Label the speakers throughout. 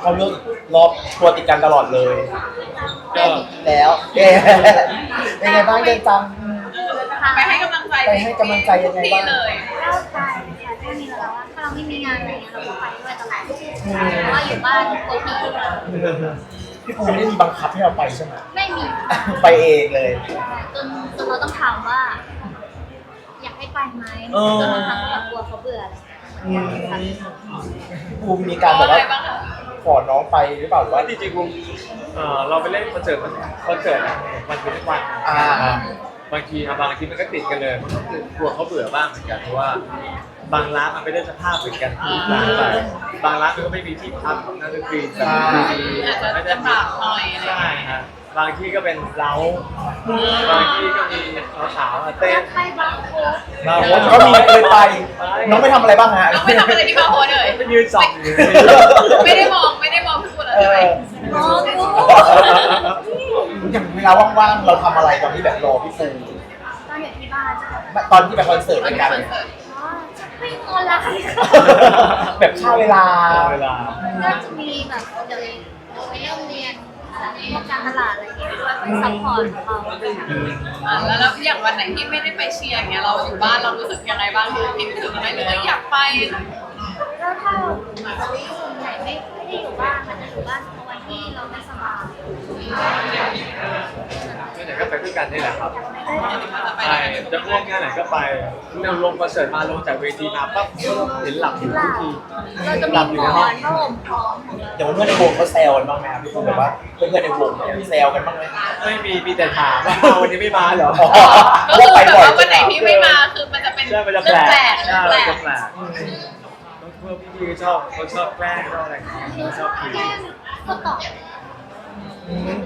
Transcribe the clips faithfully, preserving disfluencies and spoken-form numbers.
Speaker 1: เขาเลือกรอบตัวติดกันตลอดเลย
Speaker 2: ก็
Speaker 1: แล้วเอ๊ะเป็นไงบ้างเดินจัง
Speaker 3: ไปให้กำลังใจ
Speaker 1: ไปให้กำลังใจยังไงบ้าง
Speaker 3: ทุกที่เลย
Speaker 4: ก็ไปเนี่ยไม่มีแล้วว่าถ้าเราไม่มีงานอะไรเงี้ยเราก็ไปด้วยตลอดเพราะว่าอยู่บ้านกลัวผี
Speaker 1: พี่ปูไม่ได้มีบังคับให้เราไปใช่ไหม
Speaker 4: ไม่มี
Speaker 1: ไปเองเลย
Speaker 4: จนจนเราต้องถามว่า อยากให้ไปไหม
Speaker 1: เออ
Speaker 4: จนบางครั้งก็แบบกลัวเขาเบื่ออะไร
Speaker 1: อืมพี่ปูมีการแบบ
Speaker 3: อะไร
Speaker 1: ว่า
Speaker 3: บ้างคะ
Speaker 1: ขอน้องไปหรือเปล่าหรือว่า
Speaker 2: จริงๆผมเอ่อเราไปเล่นคอนเสิร์ตคอนเสิร์ตอะวันเป็นวัน
Speaker 1: อ่า
Speaker 2: บางทีอะบางทีมันก็ติดกันเลยมันก็คือกลัวเขาเบื่อบ้างเหมือนกันเพราะว่าบางร้านมันไม่ได้สภาพเหมือนกันทุกร้านไปบางร้านมันก็ไม่มีที่พักนั่นก็คือแบบดี
Speaker 3: อาจจะ
Speaker 2: ไม่ได้
Speaker 3: จะปากหน่อยอะไรอย่าง
Speaker 2: ใช่
Speaker 3: เงี้ย
Speaker 2: ฮะบางที่ก็เป็นเล้าบางที่ก็มีสาวๆมาเต้
Speaker 4: อยาน กไปบางโพส
Speaker 1: บางคนก็มีเคยไป น้องไม่ทำอะไรบ้างฮะ
Speaker 3: น้องไปทำอะไรที่บาร์โฮสเลย
Speaker 2: ไปยืนส่องอยู่
Speaker 3: ไม่ได้มองไม่ได้มองพี่ปูแล้ว
Speaker 1: เอ
Speaker 3: ใช่ไหม
Speaker 1: อ
Speaker 4: มองดู
Speaker 1: อย่างเวลาว่างๆเราทำอะไรตอนที่แบบรอพี่ปู
Speaker 4: ตอนอยู่ที่บ้านจะแบบ
Speaker 1: ตอนที่ไปคอนเสิร์ต
Speaker 3: มั
Speaker 1: ด้
Speaker 3: น
Speaker 1: วย
Speaker 3: มี
Speaker 1: กัน
Speaker 3: คอนเสิร์ต
Speaker 4: อ๋อจะไปออนไลน์
Speaker 1: แบบค่าเวลา
Speaker 2: เวลา
Speaker 4: ก็จะมีแบบเดี๋ยวไปเริ่มเรียนพวกการตลาดอะไรอย่างเงี้ยด้วยไปซัพพอร์ตเขา
Speaker 3: อ่ะแล้วแล้วอย่างวันไหนที่ไม่ได้ไปเชียร์อย่างเงี้ยเราอยู่บ้านเรารู้สึกยังไงบ้างคือพี่รู้สึกยังไงหรืออยากไป
Speaker 4: แล้วถ้าส่วนใหญ่ไม่ไม่ได้อยู่บ้านมันจะอยู่บ้านเพราะวันที่เราไม่สบาย
Speaker 2: ที่ไหนก็ไปด้วยกันนี่แหละครับ
Speaker 3: จะไป
Speaker 2: ใช่จะร่วมงานไหนก็ไปเราลงคอนเสิร์ตมาลงจากเวทีมาปั๊บเห็นหลับอยู่
Speaker 4: หลั
Speaker 2: ทุก
Speaker 4: บ
Speaker 2: ที
Speaker 4: เราจะ
Speaker 2: ห
Speaker 4: มี
Speaker 2: ลับอยู่
Speaker 4: หม
Speaker 2: ใน
Speaker 4: อ
Speaker 2: ห้อง
Speaker 4: นผ้าห่มพร้อมของเรา
Speaker 1: อย่างเพื่อนในวงเขาแซวกันบ้างไหมครับพี่ปูแบบว่าเพื่อนๆในวงเนี่ยแซวกันบ้างไหม
Speaker 2: ไม่มีมีแต่ถามว่าอ้าววันนี้ไม่มาเหรอ
Speaker 1: อ๋อ
Speaker 3: ก็คือแบบว่าวันไหนที่ไม่มาคือมันจะเป็น
Speaker 2: ใช่มันจะ
Speaker 3: เรื่อง
Speaker 2: แป
Speaker 3: แป
Speaker 2: ล
Speaker 3: ล
Speaker 2: ก
Speaker 3: ก
Speaker 2: ใช่
Speaker 3: เรื่องแปล
Speaker 2: มัน
Speaker 3: ก
Speaker 2: จะแปลกเพื่อนพี่ๆชอบเขาชอบแกล้งชอบอะไรอย่างเงี้ย
Speaker 4: หนู
Speaker 2: ชอบผี
Speaker 4: แก้มก็ตอบ
Speaker 1: อืม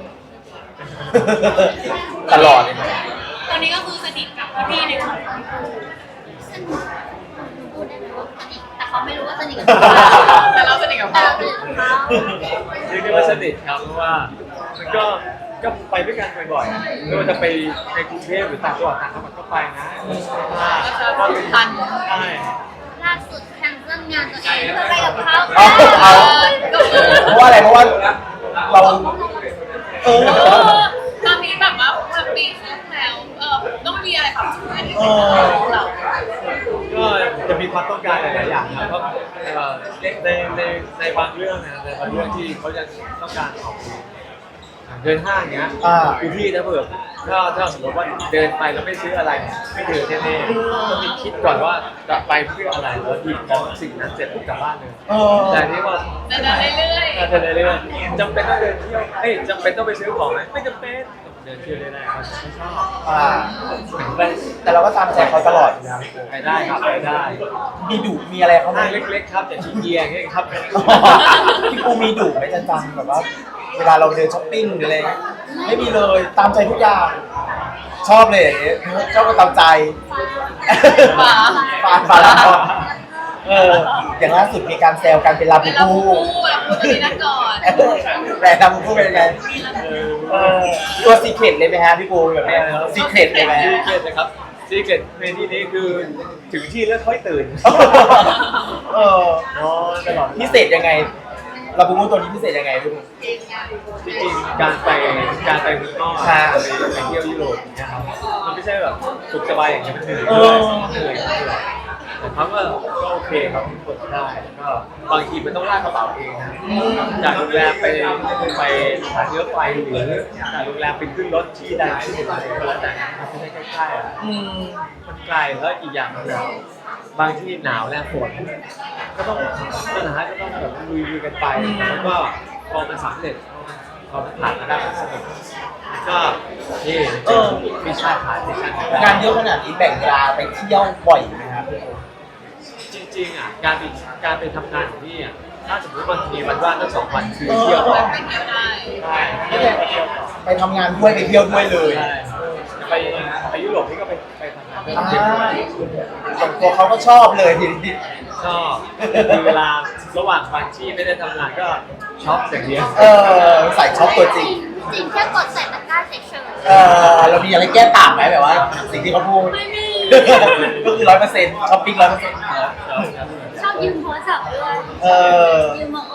Speaker 1: ตลอดเลยนะ
Speaker 3: ตอนนี้ก็คือสนิทกับพี่ในวง
Speaker 4: สนิทหนูพูดได้ไหมว่าสนิทแต่เขาไม่รู้ว่าสนิทกับ
Speaker 3: แต่เราสนิทกับ
Speaker 4: แต่
Speaker 3: เขา
Speaker 4: เราสนิทกับเขา
Speaker 2: เรียกได้ว่าสนิทครับเพราะว่ามันก็ก็ไปด้วยกันบ่อยๆอะไม่ว่าจะไปในกรุงเทพหรือต่างจังหวัดต่างจังหวัดก็ไปนะถ้า
Speaker 3: ก็จะก็ทัน
Speaker 2: ใช่
Speaker 4: ล่าสุดแข่งเรื่องงานตัวเองเพื่อไปกับเขา
Speaker 1: เอาเอาเพราะว่าอะไรเพราะว่าเราเออ
Speaker 3: เออตอนนี้แบบว่าจะปีครึ่งแล้วเออต้องมีอะไรปรับจูนในของเรา
Speaker 2: ก็จะมีความต้องการหลายๆอย่างครับเพราะเอ่อในในในบางเรื่องนะในบางเรื่องที่เขาจะต้องการออกเดินห้างเงี้ย
Speaker 1: อ่า
Speaker 2: คือพี่นะเผื่อถ้าถ้าสมมติว่าเดินไปแล้วไม่ซื้ออะไรเนี่ยไม่เดินแน่ๆต้องมีคิดก่อนว่าจะไปเพื่ออะไรแล้วหยิบของสิ่งนั้นเสร็จปุ๊บกลับบ้านเลย
Speaker 1: เออ
Speaker 2: แต่นี่ว่า
Speaker 3: จะเดินเรื่อย
Speaker 2: ถ้าเดินเรื่อยๆจำเป็นต้องเดินเที่ยวเอ้ยจำเป็นต้องไปซื้อของไหมไม่จำเป็นเดินเที่ยวได้ๆเขาไม่ชอบ
Speaker 1: อ่า
Speaker 2: ไป
Speaker 1: แต่เราก็ตามใจเขาตลอดนะ
Speaker 2: ไปได้ครับไปได้
Speaker 1: มีดุมีอะไรเขาไหม
Speaker 2: ห้างเล็กๆครับอย่างที่เกียร์อย่างเงี้ยครับ
Speaker 1: พี่ปูมีดุไหมจันจังแบบว่า เวลาเราเดินช้อปปิ้งหรืออะไรเงี้ยไม่มีเลยตามใจทุกอย่าง ชอบเลยอย่างเงี้ยชอบก็ตามใจ
Speaker 3: ๆป๋า
Speaker 1: ฟาดฟาดเอออย่างล่าสุดมีการแซวกันเป็นลา
Speaker 3: เป็
Speaker 1: บู
Speaker 3: นเรา
Speaker 1: บู
Speaker 3: คู่เราคู่ตอนนี้นั่นก่อน
Speaker 1: แต่ลาบูบูเป็นยังไงเออตัวซีเครตเลยไหมฮะพี่ปูแบบเนี้ยซีเครตเลยไหม
Speaker 2: ซี
Speaker 1: ฮะ
Speaker 2: เกตนะครับซีเกตในที่นี้คือถึงที่แล้วค่อยตื่น
Speaker 1: เออน
Speaker 2: อนตลอด
Speaker 1: พิเศษยังไงลาบูบูตัวนี้พิเศษยังไงพี่ปู
Speaker 2: จริงๆการไปการไปเมืองนอก
Speaker 1: ค่ะ
Speaker 2: ไปไปเที่ยวยุโรปอย่างเงี้ยครับมันไม่ใช่แบบสุขสบายอย่างเงี้ยมันเหนื่อย
Speaker 1: เอ
Speaker 2: ด้วย
Speaker 1: อ
Speaker 2: เหนื่อยด้วยแต่เขาก็ก็โอเคครับกดได้ก็บางทีมันต้องลากกระเป๋าเองนะจากโรงแรมไปไปสถานีรถไฟหรือจากโรงแรมไปขึ้นรถที่ใดที่หนึ่งอะไรก็แล้วแต่มันไม่ได้ใกล้ๆอ่ะ
Speaker 1: อืม
Speaker 2: มันไกลแล้วอีกอย่างหนึงบางที่หนาวและฝนก็ต้องก็นะฮะก็ต้องแบบลุยๆกันไปแล้วก็พอมันสำเร็จพอมันผ่านมาได้มันสนุกก็นี่เออมีชาติผ่านมีชาติผ่าน
Speaker 1: งานเยอะขนาดนี้แบ่งเวลาไปเที่ยวบ่อยไหมครับพี่ปู
Speaker 2: จริงๆอ่ะการไปการไปทำงานของพี่อ่ะถ้าสมมติวันมีวันว่างตั้งสองวันคือเที่ยว
Speaker 3: แบ
Speaker 2: ต่อบ
Speaker 3: ไปเที่ยวได้
Speaker 2: ใช่
Speaker 1: ไม่ได้ไปทำงานด้วยไปเที่ยวด้วยเลย
Speaker 2: ใช่ครับไปไปยุโรปนี่ก็ไปไปทำงานด้วย
Speaker 1: อ่า
Speaker 2: เที่ยวด้วย
Speaker 1: ส่วนตัวเขาก็ชอบเลยทีนี้
Speaker 2: ชอบคือเวลาระหว่างวันที่ไม่ได้ทำงานก็ช็อปอย่างเดียว
Speaker 1: เออใส่ช็อปตัวจริง
Speaker 4: จริงแค่กดใส่ตะกร้าเฉย
Speaker 1: เออเรามีอะไรแก้ต่างไหมแบบว่า สิ่งที่เขาพูด
Speaker 4: ๆไม่มี
Speaker 1: ก็คือร้อยเปอร์เซ็นต์ช้อปปิ้งร้อยเปอร์เซ็นต์
Speaker 4: ชอบยืมโทรศัพท์ด้วย
Speaker 1: เออ
Speaker 4: ยืมมาโอนตังค์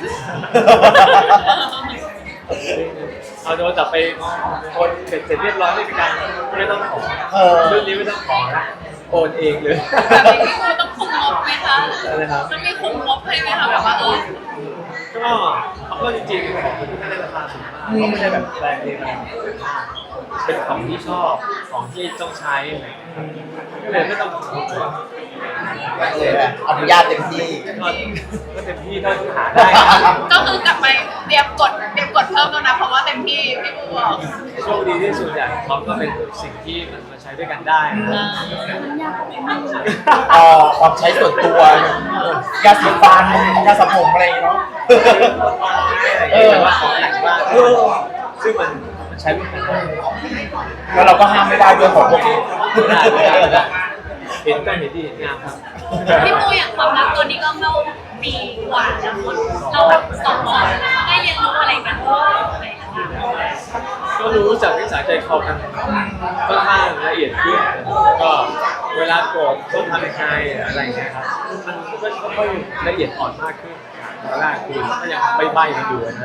Speaker 2: เอาโทรศัพท์ไปโอนเสร็จเสร็จเรียบร้อยไม่มีการไม่ต้องขอ
Speaker 1: เออ
Speaker 2: รุ่นนี้ไม่ต้องขอนะโอนเองเลย
Speaker 3: แบบนี้พี่ปูต้องคุมงบไหมคะ
Speaker 2: อะไรครับ
Speaker 3: ต้องมีคุมงบให้ไหมคะแบบว่าเออ
Speaker 2: ก็เขาก็จริงๆของมันไม่ได้ราคาสูงมากเขาไม่ได้แบบแบรนด์เนมอะไรเป็นของที่ชอบของที่ต้องใช้อะไรอย่างเงี้ยก็เลยไม่ต้องขอ
Speaker 1: เลยแบบอนุญาตเต็มที่
Speaker 2: ก็ก็เต็มที่เท่าที่หาได้นะ
Speaker 3: ก็คือกลับไปเตรียมกดเตรียมกดเพิ่มแล้วนะเพราะว่าเต็มที่พี่ปูบอก
Speaker 2: โชคดีที่สุดอย่างเขาก็เป็นสิ่งที่มันมาใช้ด้วยกันได้นะ
Speaker 3: อ่า
Speaker 4: มันยากกว่าพี่
Speaker 1: เอ่อความใช้ส่วนตัวยาสีฟันยาสระผมอะไรอย่างเงี้ยเนาะ
Speaker 2: เออว่าของแต่งบ้านซึ่งมันมันใช้ร่วมกันได้
Speaker 1: แล้วเราก็ห้ามไม่ได้ด้วยของพวกนี้
Speaker 2: ไม่ได้ไม่ได้ไม่ได้เห็นก็เห็นดีเห็นงามครับ
Speaker 3: พี่ปูอย่างความรักตัวนี้ก็เมื่อปีกว่าแล้วเราสองคนได้เรียนรู้อะไรกันบ้างอะไรนะคะ
Speaker 2: ก็รู้จักนิสัยใจคอกันค่อนข้างละเอียดขึ้นก็เวลาโกรธต้องทำยังไงอะไรอย่างเงี้ยครับมันก็ค่อยๆละเอียดอ่อนมากขึ้นตอนแรกคือก็ยังใบ้ๆกันอยู่นะ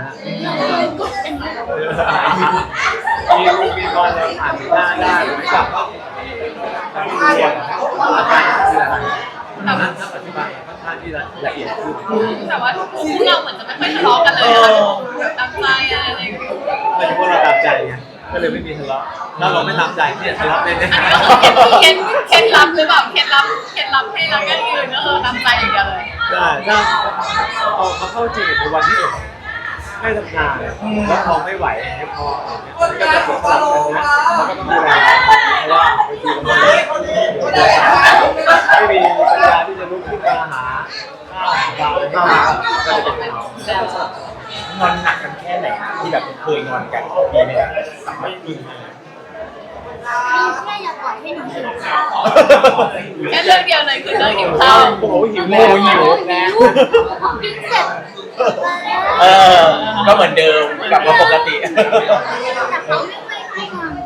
Speaker 2: มีรูปมีก้อนแล้วอ่านสีหน้าได้หรือไม่กับก็ทำให้รู้ว่าอาการคืออะไรนั้นถ้าปัจจุบันค่อนข้างที่จะละเอียดขึ้น
Speaker 3: แต่ว่าคู่เราเหมือนจะไม่ค่อยทะเลาะกันเลยนะคะตามใจอะไรอย่างเงี้ย
Speaker 2: ไม่ใช่ว่าเราตามใจไงก็เลยไม่มีทะเลาะถ้าเราไม่ตามใจเนี่ยทะเลาะแน่
Speaker 3: อันนี้ก็คือเคล็ดเคล็ดลับหรือเปล่าเคล็ดลับเคล็ดลับให้เรายั่งยืนก็คือตามใจอย่างเดียวเลย
Speaker 2: ๆได้ถ้าเอาเขาเข้าจริงในวันที่ให้ทำงานแล้วพอไม่ไหวไม่พอก็จะปวดสลับกันนะแล้วก็ต้องดูแลเพราะว่าไปทีมันไม่มีปัญญาที่จะลุกขึ้นมาหาข้าวหาปลาอะไรก็จะเป็นเรา
Speaker 1: งอนหนักกันแค่ไหนที่แบบเคยงอนกันมีไหมครับ
Speaker 2: ไม่มีเลย
Speaker 4: แค่อยากปล่อยให้หนูหิวข้าว
Speaker 3: แค่เรื่องเดียวเลยคือเรื่องหิวข้าว
Speaker 2: โอ้โหหิว
Speaker 1: โมหิว
Speaker 2: แล้ว
Speaker 4: ของกินเสร็จมาแล้ว
Speaker 1: เออ ก็เหมือนเดิมกลับมาปกติ
Speaker 4: แต่เขาไม่ไม่ไม่งอน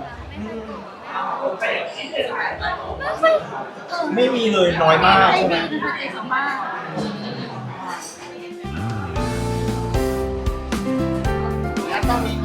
Speaker 4: ไม่ค่อยเออ
Speaker 1: ไม่มีเลยน้อยมาก
Speaker 4: ใจ
Speaker 1: ใช่ไหม
Speaker 4: ดีคือใจสมาก
Speaker 1: แล้วก็มี